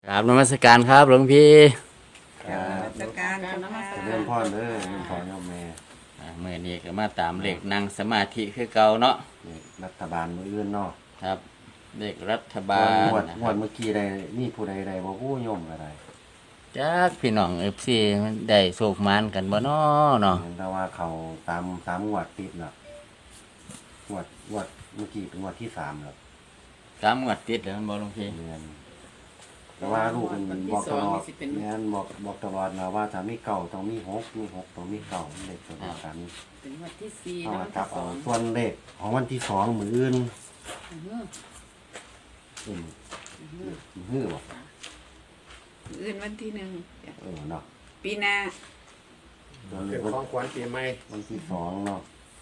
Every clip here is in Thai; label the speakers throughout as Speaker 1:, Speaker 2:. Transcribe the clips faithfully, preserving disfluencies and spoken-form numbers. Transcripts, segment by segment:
Speaker 1: กราบนมัสการครับหลวงพี่
Speaker 2: ครับ
Speaker 3: ราชการเจ้าค่ะ
Speaker 2: เจริญพรเด้อเจริญพรโยมแม่
Speaker 1: อ่าเมื่อนี้ก็มาตามเลขนั่งสมาธิคือเก่าเนาะ
Speaker 2: นี่รัฐบาลมื้ออื่นเนาะ
Speaker 1: ครับเลขรัฐบาล
Speaker 2: งวด
Speaker 1: นะ
Speaker 2: ง
Speaker 1: คว รั
Speaker 2: ด
Speaker 1: บ
Speaker 2: เมื่อกี้ได้มีผู้ใดใดบ่ผู้โยมก็ได้
Speaker 1: จากพี่น้องเอฟซีได้โศกมานกันบ่เนาะเนาะ
Speaker 2: เห็นแต่ว่าเขาตามสามงวดติดน่ะงวดงวดเมื่อกี้เป็นงวดที่สามแล้ว
Speaker 1: สามงวดติดแล้วมันบ่หลวงพี่
Speaker 2: เรียนแต่ว่าลูกมันบอกตลอดแม่นบอกบอกตลอดนะว่าถ้ามีเก่าต้องมีหกมีหกต้องมีเก่าเลขตัวเดียวกัน
Speaker 3: ถึงวันที่สี่
Speaker 2: เอา
Speaker 3: นะ
Speaker 2: มา
Speaker 3: วัน
Speaker 2: จั
Speaker 3: ที่
Speaker 2: บ
Speaker 3: ส
Speaker 2: เอา
Speaker 3: อง
Speaker 2: ส่วนเลขของวันที่สองมื้ออื่น
Speaker 3: อื้อหือ
Speaker 2: อืม
Speaker 3: อื้อหือ
Speaker 2: ฮื้อบ่
Speaker 3: อื่นวันที่หนึ่ง
Speaker 2: เออเนาะ
Speaker 3: ปีหน้า
Speaker 2: ส่วนเล
Speaker 4: เป็น
Speaker 2: ขวัน
Speaker 4: ของขวัญปีใหม่
Speaker 2: วันที่สองเนาะ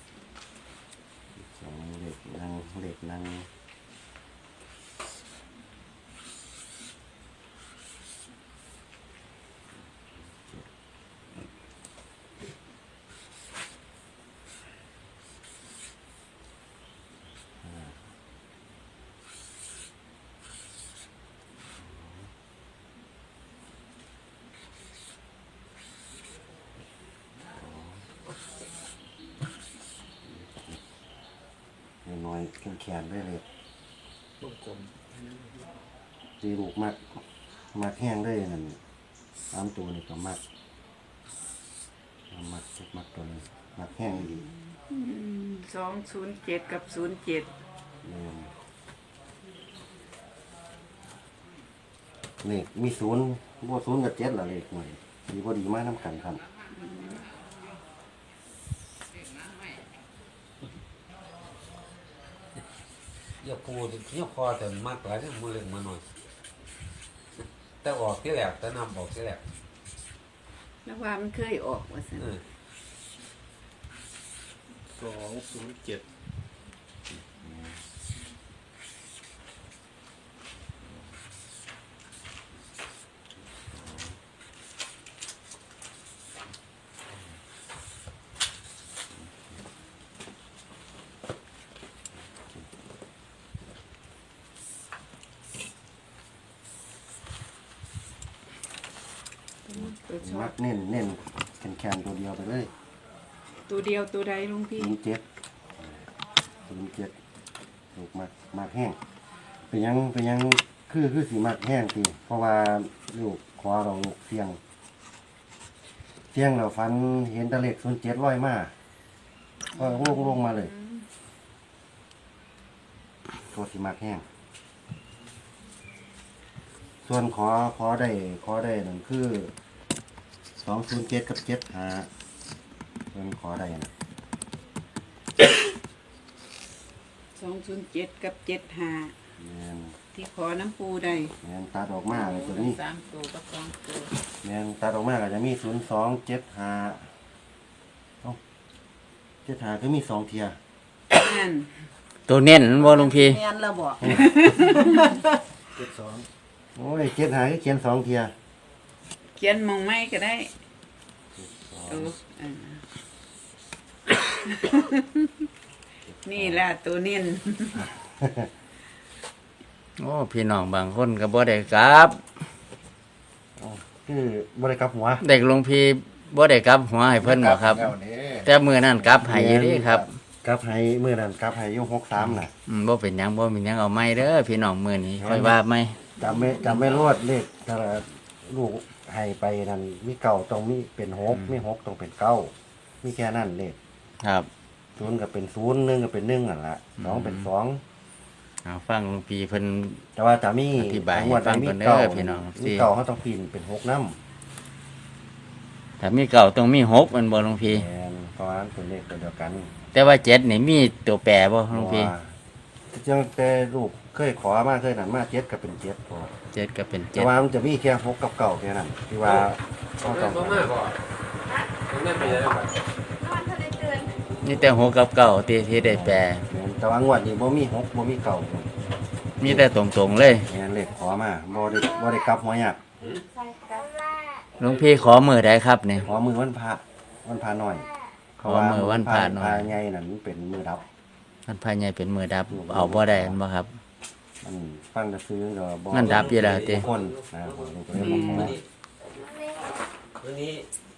Speaker 2: สองเด็กนั่งเด็กนั่งน้อยๆแข็งๆได้เลย
Speaker 4: ลูกกลม
Speaker 2: ตีลูกมักมักแห้งได้นั่นตามตัวนี่ก็มักมักมักตัวนี้มักแห้งดี
Speaker 3: สองศูนย์เจ็ดกับศูนย์เจ็ด
Speaker 2: เนี่ยเลขมีศูนย์บ่ศูนย์กับเจ็ดละเลขหน่อยดีพอดีมากน้ำกันครับ
Speaker 5: อย่าพูดอย่าพอแต่มากหลายเนี่ยมันเล็กมาหน่อยแต่ออกที่แหลกแต่นำออกที่แหลก
Speaker 3: แล้วว่ามันเคยออกว่าสิ
Speaker 5: เออ
Speaker 4: สองศูนย์เจ็ด
Speaker 3: ตัวชอ
Speaker 2: มั
Speaker 3: บ
Speaker 2: กเน้นเน้นแข็งๆตัวเดียวไปเลย
Speaker 3: ตัวเดียวตัวใดลุงพี่
Speaker 2: ศูนย์เจ็ดศูนย์เจ็ดลูกมักมักแห้งเป็นหยังเป็นหยังคือคือสีมักแห้งสิเพราะว่าลูกขอเราลูกเสียงเสียงเราฟันเห็นตะเล็กศูนย์เจ็ดร้อยมาก็ลงลงมาเลยตัวสีมักแห้งส่วนขอขอได้ขอได้นั่นคือสองศูนย์เจ็ดกับเจ็ดหาส่วนขอได้นะ
Speaker 3: สองศูนย์เจ็ดกับเจ็ดห้า
Speaker 2: แม่น
Speaker 3: ที่ขอน้ำปูได้
Speaker 2: แม่นตาดอกมาเลยตัวนี้
Speaker 3: สามตัวกับสองตัว
Speaker 2: แม่นตาดอกมาก็จะมีศูนย์สองเจ็ดห้าเอ้าเจ็ดห้าคือมีสองเทีย
Speaker 3: นั่น
Speaker 1: ตัวเน้นบ่หลวงพี่
Speaker 3: แม่นเราบอก
Speaker 4: เจ็ดสอง
Speaker 2: โอ้ยเจ็ดห้าคือเขียนสองเทีย
Speaker 3: เขียนมองไม่ก็ได้เอออ่านี่ล่ะตัวเน้น
Speaker 1: โอ้พี่น้องบางคนก็บ่ได้กลับ
Speaker 2: คือบริกรรมหัว
Speaker 1: เด็กหลวงพี่บ่ได้กลับหัวให้เพิ่นบ่ครับ
Speaker 4: แล้วนี่
Speaker 1: แต่มื้อนั้นกลับให้อยู่เด้ครับ
Speaker 2: กลับให้เมื่อนั้นกลับให้อยุ่หกสามน่ะ
Speaker 1: อืมบ่เป็นหยังบ่เป็นหยังเอาใหม่เด้อพี่น้องมื้อนี้ค่อยว่าใหม่
Speaker 2: จำไม่จำไม่รวดเลขถ้าลูกให้ไปนั่นมีเก่าต้องมีเป็นหกมีหกต้องเป็นเก้ามีแค่นั้นเลข
Speaker 1: ครับ
Speaker 2: ศูนย์ก็เป็นศูนย์หนึ่งก็เป็นหนึ่งอ่ะละสองเป็นสอง
Speaker 1: เอาฟังหลวงพี่เพิ่น
Speaker 2: แต่ว่าจะมี
Speaker 1: อธิบายให้
Speaker 2: งวด
Speaker 1: ฟัง
Speaker 2: มี
Speaker 1: ก่อนเด้อ
Speaker 2: เก่า
Speaker 1: พี่น้อง
Speaker 2: มีเก่าเขาต้องปีนเป็นหกน้ำ
Speaker 1: ถ้ามีเก่าต้องมีหกมันบ่หลวงพี่
Speaker 2: แม่นเพราะว่าเป็นเลขตัวเดียวกัน
Speaker 1: แต่ว่าเจ็ดนี่มีตัวแปรบ่หลวงพี่
Speaker 2: จังแต่ลูกเคยขอมาเคยนั่นมาเจ็ดก็เป็นเจ็ดพอ
Speaker 1: เจ็ดก็เป็น
Speaker 2: แต่
Speaker 1: เจ็ด
Speaker 2: ว่ามันจะมีแค่หกกับเก่าแค่นั้นที่ว่า
Speaker 5: ต้
Speaker 2: เขา
Speaker 5: อง
Speaker 2: ต้อง
Speaker 5: มากก่อนต้องได้ไปแล้วก่อน
Speaker 1: นี่แต่หกกับเก่าที่ที่ได้แปร
Speaker 2: แม่นแต่ว่างวดนี้บ่มีหกบ่มีเก่า
Speaker 1: มีแต่ตรงๆเลย
Speaker 2: แม่นเลขขอมาบ่ได้บ่ได้กลับหัวยาก
Speaker 1: หลวงพี่ขอมือได้ครับเนี่ย
Speaker 2: ขอมือวันพระวันพระน้อย
Speaker 1: ขอมือวันพระน้อย
Speaker 2: พระใหญ่นั่นเป็นมือดับ
Speaker 1: มันภายในเป็นมือดับ เอาบ่ได้อันบ่ครับ
Speaker 2: มันฟังจะซื้อก็บ่
Speaker 1: มันดับอยู่แล้วติ
Speaker 2: คนนะผมก็เลยบอกว่า
Speaker 5: วันนี้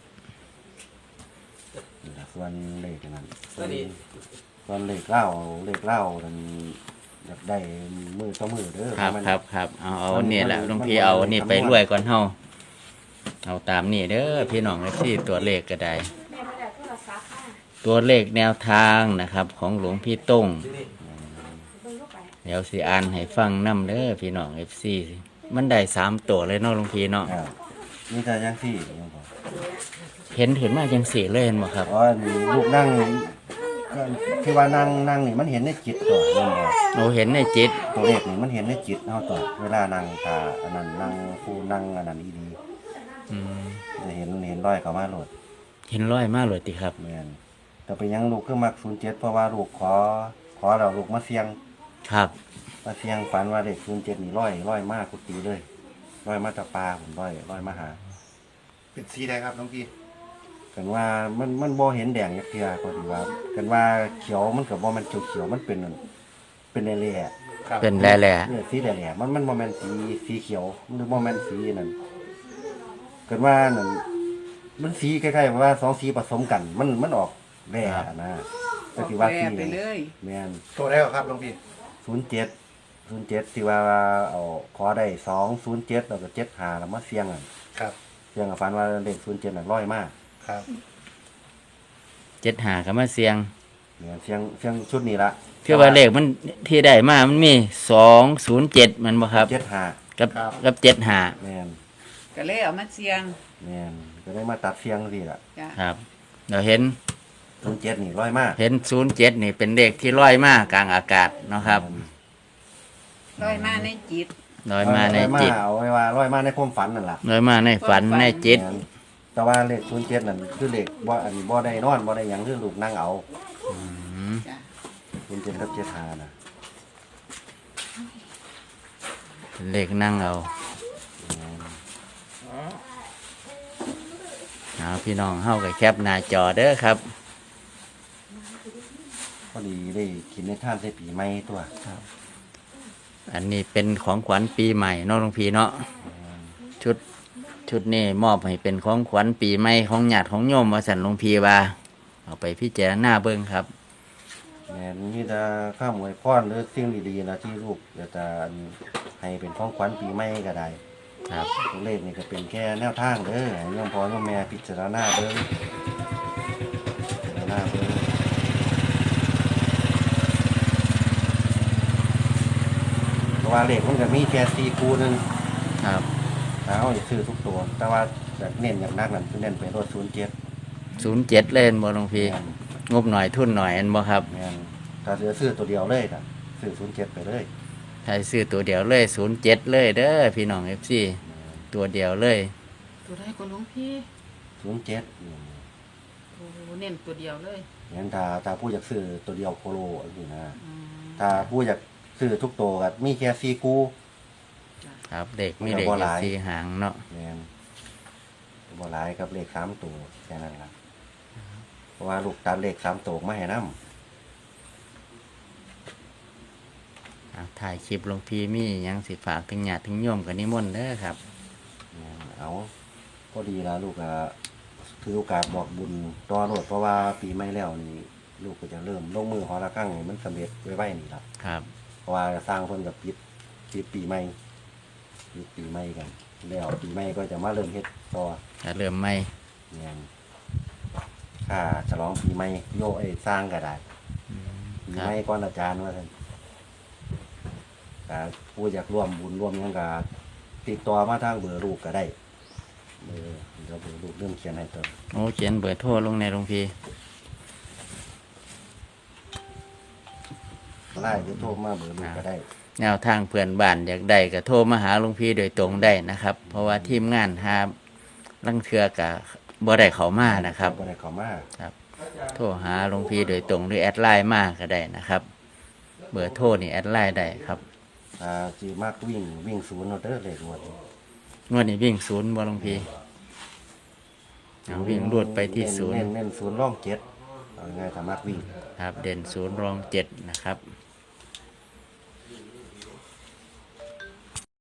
Speaker 2: นี่ล่ะส่วนเลขนั้นส่
Speaker 5: วั
Speaker 2: วน
Speaker 5: นนี้
Speaker 2: ส่วนเลขเล่าเลขเล่านั้นอยากได้มือต่อมือเด้อ
Speaker 1: ครับ
Speaker 2: มัน
Speaker 1: ครับครับเอาเอา
Speaker 2: มัน
Speaker 1: นี่แหละ
Speaker 2: มัน
Speaker 1: หลวงพี่
Speaker 2: มัน
Speaker 1: เอานี่
Speaker 2: มัน
Speaker 1: ไปรวยก่อนเฮาเอาตามนี่เด้อพี่น้องที่ตัวเลขก็ได้
Speaker 6: แม่ไม่ได้โทรศัพท์ค่ะ
Speaker 1: ตัวเลขแนวทางนะครับ ของหลวงพี่ต้ง
Speaker 6: เบิ่งเข้าไป
Speaker 1: เดี๋ยวสิอ่านให้ฟังนํเด้อพี่น้อง เอฟ ซี มันได้สามตัวเลยเนาะหลวงพี่เนาะ
Speaker 2: ครับนี่แต่ยังสี่ยังพอ
Speaker 1: เห็นเห็นมาจังสี่เลยเห็นบ่ครับ
Speaker 2: เพราะว่าลูกนั่งก็ที่ว่านั่งนั่งนี่มันเห็นในจิตตัวนั่นบ่
Speaker 1: เราเห็นในจิต
Speaker 2: ตัวเลขนี่มันเห็นในจิตเฮาตัวเวลานั่งตาอันนั้นนั่งผู้นั่งอันนั้นอีดี
Speaker 1: อืม
Speaker 2: จะเห็นเห็นร้อยเข้ามาโหลด
Speaker 1: เห็นร้อยมากเลยติครับ
Speaker 2: แม่นแต่ไปยังลูกคือมักศูนย์เจ็ดเพราะว่าลูกขอขอเราลูกมาเสี่ยง
Speaker 1: ครับ
Speaker 2: มาเสี่ยงฝันว่าเลขศูนย์เจ็ดนี่ร้อยร้อยมากกุฏิเลยร้อยมาจากปลาผมร้อยร้อยมาหา
Speaker 4: เป็นสีใดครับน้องพี่
Speaker 2: กันว่ามันมันบ่เห็นแดงจักเทื่อก็ถือว่ากันว่าเขียวมันก็บ่แม่นเขียวๆมันเป็นนั่นเป็นแหล่
Speaker 4: ครับ
Speaker 1: เป็นแหล่
Speaker 2: ๆเนี่ยสีแหล่ๆมันมันบ่แม่นสีสีเขียวหรือบ่แม่นสีนั่นกันว่านั่นมันสีคล้ายๆว่าสองสีผสมกัน มันมันออกแหล่นะ
Speaker 3: อ
Speaker 2: ก็
Speaker 3: อก
Speaker 2: สิว่า
Speaker 3: แปร
Speaker 2: สี
Speaker 3: ไปเลย
Speaker 2: แม่น
Speaker 4: ตัวได้ครับน้องพี่
Speaker 2: ศูนย์เจ็ด ศูนย์เจ็ดที่ว่าเอาขอได้สองศูนย์เจ็ดแล้วก็เจ็ดห้าแล้วมาเสี่ยงอ่ะ
Speaker 4: ครับ
Speaker 2: เสี่ยงกับฝันว่าเลขศูนย์เจ็ดน่ะร้อยมาก
Speaker 4: ครับ
Speaker 1: เจ็ดหาก็มาเสียง
Speaker 2: เนี่ยเสี่ยงเสี่ยงชุดนี้ละ
Speaker 1: คือว่าเลขมันที่ได้มามันมีสองศูนย์เจ็ดมันบ่ครับ
Speaker 2: เจ็ดห้า
Speaker 1: กับกับเจ็ดหา
Speaker 2: แม่น
Speaker 3: ก็เลยเอามาเสียง
Speaker 2: แม่นก็ได้มาตัดเสี่ยงสิล่ะ
Speaker 3: จ้ะ
Speaker 1: ครับเราเห็น
Speaker 2: ศูนย์เจ็ดนี่ร้อยมาก
Speaker 1: เห็นศูนย์เจ็ดนี่เป็นเลขที่ร้อยมากกลางอากาศเนาะครับ
Speaker 3: ร้อยมาในจิต
Speaker 1: ร้อยมาในจิต
Speaker 2: เอาไว้ว่าร้อยมาในความฝันนั่นล่ะ
Speaker 1: ร้อยมาในฝันในจิต
Speaker 2: แม่นแต่ว่าเลขศูนย์เจ็ดนั่นคือเลขบ่อันบ่ได้นอนบ่ได้หยังคือลูกนั่งเอา
Speaker 1: อืม
Speaker 3: จ้ะ
Speaker 2: ศูนย์เจ็ดกับเจ็ดห้าน่ะ
Speaker 1: เป็นเลขนั่งเอาเอาพี่น้องเฮากับแคปหน้าจอเด้อครับ
Speaker 2: พอดีได้กินในท่านใส่ปีใหม่ตัว
Speaker 1: อันนี้เป็นของขวัญปีใหม่เนาะหลวงพี่เนาะชุดชุดนี้มอบให้เป็นของขวัญปีใหม่ของญาติของโยมว่าสันหลวงพี่ว่าเอาไปพิจารณาเบิ่งครับ
Speaker 2: แม่นมีแต่ข้ามอวยพรหรือสิ่งดีๆนะที่ลูกอยากจะให้เป็นของขวัญปีใหม่ก็ได้
Speaker 1: ครับ
Speaker 2: ตัวเลขนี่ก็เป็นแค่แนวทางเด้อให้โยมพ่อโยมแม่พิจารณาเบิ่งพิจารณาเบิ่งเพราะว่าเลขมันก็มีแค่สี่คู่หนึง
Speaker 1: ครับ
Speaker 2: ถ้าเอาจะซื้อทุกตัว แต่ว่าจะเน้นอย่างนักนั่นคือเน้นไปรถศูนย์เจ็ด
Speaker 1: ศูนย์เจ็ดเล่นบ่หลวงพี่งบหน่อยทุนหน่อยอันบ่ครับ
Speaker 2: แม่นถ้าเหลือซื้อตัวเดียวเลยก็ซื้อศูนย์เจ็ดไปเลย
Speaker 1: ถ้าซื้อตัวเดียวเลยศูนย์เจ็ดเลยเด้อพี่น้องเอฟซีตัวเดียวเลย
Speaker 6: ตัวได้ก็หลวงพี่
Speaker 2: ศูนย์เจ็ด
Speaker 6: โอ้เน้นตัวเดียวเลย
Speaker 2: งั้นถ้าถ้าผู้อยากซื้อตัวเดียวโคโลอันนี้นะ
Speaker 6: อืม
Speaker 2: ถ้าผู้อยากซื้อทุกตัวก็มีแค่สี่คู่
Speaker 1: ครับเด็กมีเด็ก
Speaker 2: มันก็บ่หลาย
Speaker 1: สีหางเนาะ
Speaker 2: แม่นบ่หลายกับเลขสามตัวแค่นั้นล่ะเพราะว่าลูกตัดเลขสามตัวมาให้นำ
Speaker 1: อ่ะถ่ายคลิปหลวงพี่มีหยังสิฝากถึงญาติถึงโยมกันนิมนต์เด้อครับ
Speaker 2: เอาก็ดีแล้วลูกอะถือโอกาสบอกบุญต่อโลดเพราะว่าปีใหม่แล้วนี่ลูกก็จะเริ่มลงมือหอละครั้งนี่มันสำเร็จไว้ๆนี่ละ
Speaker 1: ครับ
Speaker 2: เพราะว่าสร้างเพิ่นกับปิดปิดปีใหม่ปิดปีใหม่กัน แล้วปีใหม่ก็จะมาเริ่มเฮ็ดต่อ
Speaker 1: จะเริ่มไหม
Speaker 2: เนี่ยค่าฉลองปีใหม่โยไอ้สร้างก็ได้ปี
Speaker 1: ครั
Speaker 2: ให
Speaker 1: บ
Speaker 2: ม่ก่อนอาจารย์ว่าท่านแต่ผู้อยากร่วมบุญร่วมหยังก็ติดต่อมาทางเบอร์ลูกก็ได้เบอร์เดี๋ยวเบอร์ลูกเริ่มเขียนให้เติม
Speaker 1: โอ้เขียนเบอร์โทรลงในหลวงพี่
Speaker 2: ไล่หรือโทรมาเบอร์ลูกก็ได้
Speaker 1: แนวทางเพื่อนบ้านอยากได้ก็โทรมาหาหลวงพี่โดยตรงได้นะครับ เพราะว่าทีมงานหาลังเทือกับบ่ได้เขามานะครับ
Speaker 2: บ่ได้เข้ามา
Speaker 1: โทรหาหลวงพี่โดยตรงหรือแอดไลน์มาก็ได้นะครับ เบอร์โทรนี่แอดไลน์ได้ครับ
Speaker 2: อ่าสิมากวิ่งวิ่งศูนย์เอาเด้อเลขงวดนี้
Speaker 1: งวดนี้วิ่งศูนย์บ่หลวงพี่เอาวิ่งรูดไปที่ศูนย์
Speaker 2: เน้นเน้นศูนย์ร่องเจ็ดเอาง่ายๆถ้ามากวิ่ง
Speaker 1: ครับ เด่นศูนย์รองเจ็ดนะครับ